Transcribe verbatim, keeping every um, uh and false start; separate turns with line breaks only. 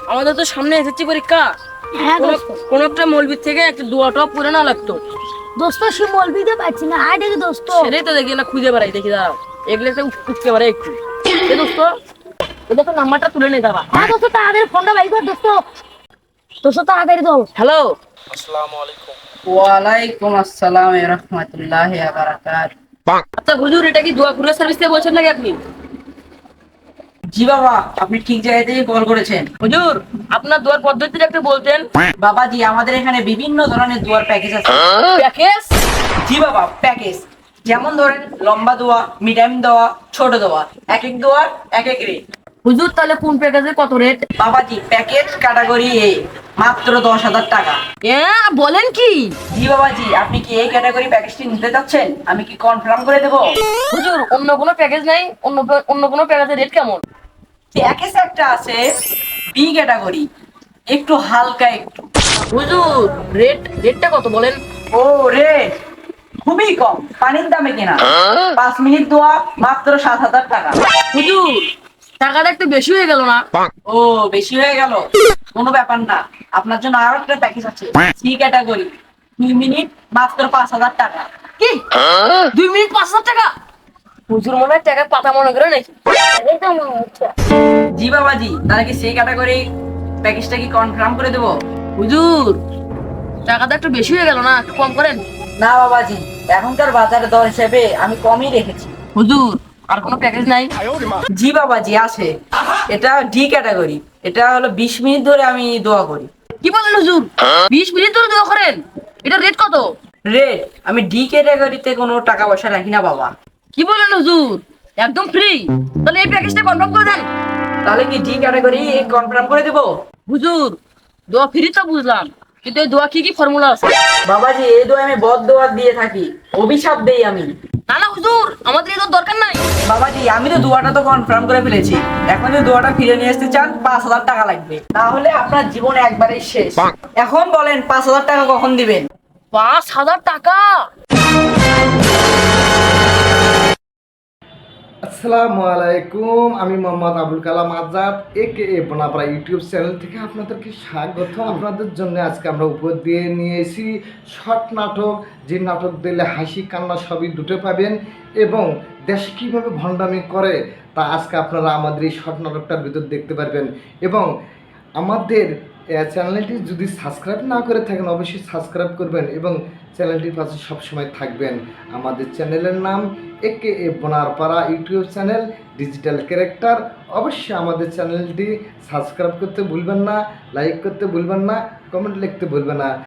আমাদের তো সামনে এসেছি পরীক্ষা।
হ্যাঁ
কোন
দোস্ত।
কোন একটা মৌলবীর থেকে একটা দোয়াটা পড়ে না লাগতো।
দোস্ত সে মলবিতে পাচ্ছি না, হাই দেখি দোস্ত।
সেটাই তো দেখি না, খুঁজে বেড়াই, দেখি দাঁড়াও এগুলো একটা উঠ- উঠতে পারে একটু। এ দোস্ত, এটা তো নাম্বারটা তুলে নিয়ে যাবা।
হ্যাঁ দোস্ত, তাড়াতাড়ি ফোনটা বাইর কর দোস্ত। দোস্ত তাড়াতাড়ি দাও।
হ্যালো।
আসসালামু আলাইকুম।
ওয়ালাইকুম আসসালাম ওয়া রাহমাতুল্লাহি ওয়া বারাকাতুহু।
আচ্ছা হুজুর, এটা কি দোয়া কুরিয়ার সার্ভিস থেকে বলছেন নাকি আপনি?
জি বাবা, আপনি ঠিক জায়গায় থেকে কল করেছেন।
হুজুর, আপনার দোয়ার পদ্ধতিটা একটু বলতেন।
বাবাজি, আমাদের এখানে বিভিন্ন ধরনের দোয়ার প্যাকেজ আছে।
প্যাকেজ?
জি বাবা, প্যাকেজ যেমন ধরেন লম্বা দোয়া, মিডিয়াম দোয়া, ছোট দোয়া, এক এক দোয়ার এক এক রেট।
হুজুর, তাহলে কোন প্যাকেজে কত রেট?
বাবাজি, প্যাকেজ ক্যাটাগরি এ মাত্র দশ হাজার টাকা।
হ্যাঁ, বলেন কি?
জি বাবাজি, আপনি কি এই ক্যাটাগরি প্যাকেজটি নিতে চাচ্ছেন? আমি কি কনফার্ম করে দেবো?
হুজুর, অন্য কোনো প্যাকেজ নাই? অন্য অন্য কোনো প্যাকেজের রেট কেমন?
প্যাকেজ একটা আছে বি ক্যাটাগরি, একটু হালকা একটু।
হুজুর, রেট রেটটা কত বলেন?
ও রে, খুবই কম, পানির দামে কেনা। পাঁচ মিনিট দোয়া মাত্র সাত হাজার টাকা।
হুজুর, টাকাটা একটু বেশি হয়ে গেল না?
ও, বেশি হয়ে গেল? কোনো ব্যাপার না, আপনার জন্য আরো একটা প্যাকেজ আছে, সি ক্যাটাগরি, দুই মিনিট মাত্র পাঁচ হাজার টাকা।
কি, দুই মিনিট পাঁচ হাজার টাকা? হুজুর মনে হয় টাকার পাতা মনে করে নাকি?
এই তো মনে হচ্ছে।
জি বাবাজি, তাহলে কি সি ক্যাটাগরি প্যাকেজটা কি কনফার্ম করে দেবো?
হুজুর, টাকাটা একটু বেশি হয়ে গেল না? একটু কম করেন।
না বাবাজি, এখনকার বাজারে দর হিসেবে আমি কমই রেখেছি।
হুজুর, আর কোনো প্যাকেজ নাই?
জি বাবাজি আছে, এটা ডি ক্যাটাগরি, এটা হলো বিশ মিনিট ধরে আমি দোয়া করি।
কি বলেন হুজুর, বিশ মিনিট ধরে দোয়া করেন? এটা রেট কত?
রেট, আমি ডি ক্যাটাগরিতে কোনো টাকা পয়সা রাখি না বাবা।
কি বলেন হুজুর, একদম ফ্রি? তাহলে এই প্যাকেজটা কনফার্ম করে দেন।
তাহলে কি ডি ক্যাটাগরি কনফার্ম করে দেবো?
হুজুর, দোয়া ফ্রি তো বুঝলাম, কিন্তু এই দোয়া কি কি ফর্মুলা আছে?
বাবাজি, এই দোয়া আমি বদ দোয়া দিয়ে থাকি, অভিশাপ দেই আমি।
না না হুজুর, আমাদের এই দোয়ার দরকার নাই।
বাবাজি, আমি তো দোয়াটা তো কনফার্ম করে ফেলেছি, এখন যদি দোয়াটা ফিরে নিয়ে আসতে চান পাঁচ হাজার টাকা লাগবে, তাহলে আপনার জীবন একবারেই শেষ। এখন বলেন পাঁচ হাজার টাকা কখন দিবেন?
পাঁচ হাজার টাকা?
আসসালামু আলাইকুম। আমি মোহাম্মদ আবুল কালাম আজাদ, একে এ বোনাপাড়া ইউটিউব চ্যানেল থেকে আপনাদেরকে স্বাগত। আপনাদের জন্য আজকে আমরা উপর দিয়ে নিয়ে এসেছি শর্ট নাটক, যে নাটক দিলে হাসি কান্না সবই দুটো পাবেন, এবং দেশ কীভাবে ভণ্ডামি করে তা আজকে আপনারা আমাদের এই শর্ট নাটকটার ভিতর দেখতে পারবেন। এবং আমাদের চ্যানেলটি যদি সাবস্ক্রাইব না করে থাকেন অবশ্যই সাবস্ক্রাইব করবেন এবং চ্যানেলটির পাশে সবসময় থাকবেন। আমাদের চ্যানেলের নাম একে এ Bonarpara YouTube channel, digital character. অবশ্যই আমাদের চ্যানেলটি সাবস্ক্রাইব করতে ভুলবেন না, লাইক করতে ভুলবেন না, কমেন্ট লিখতে ভুলবেন না।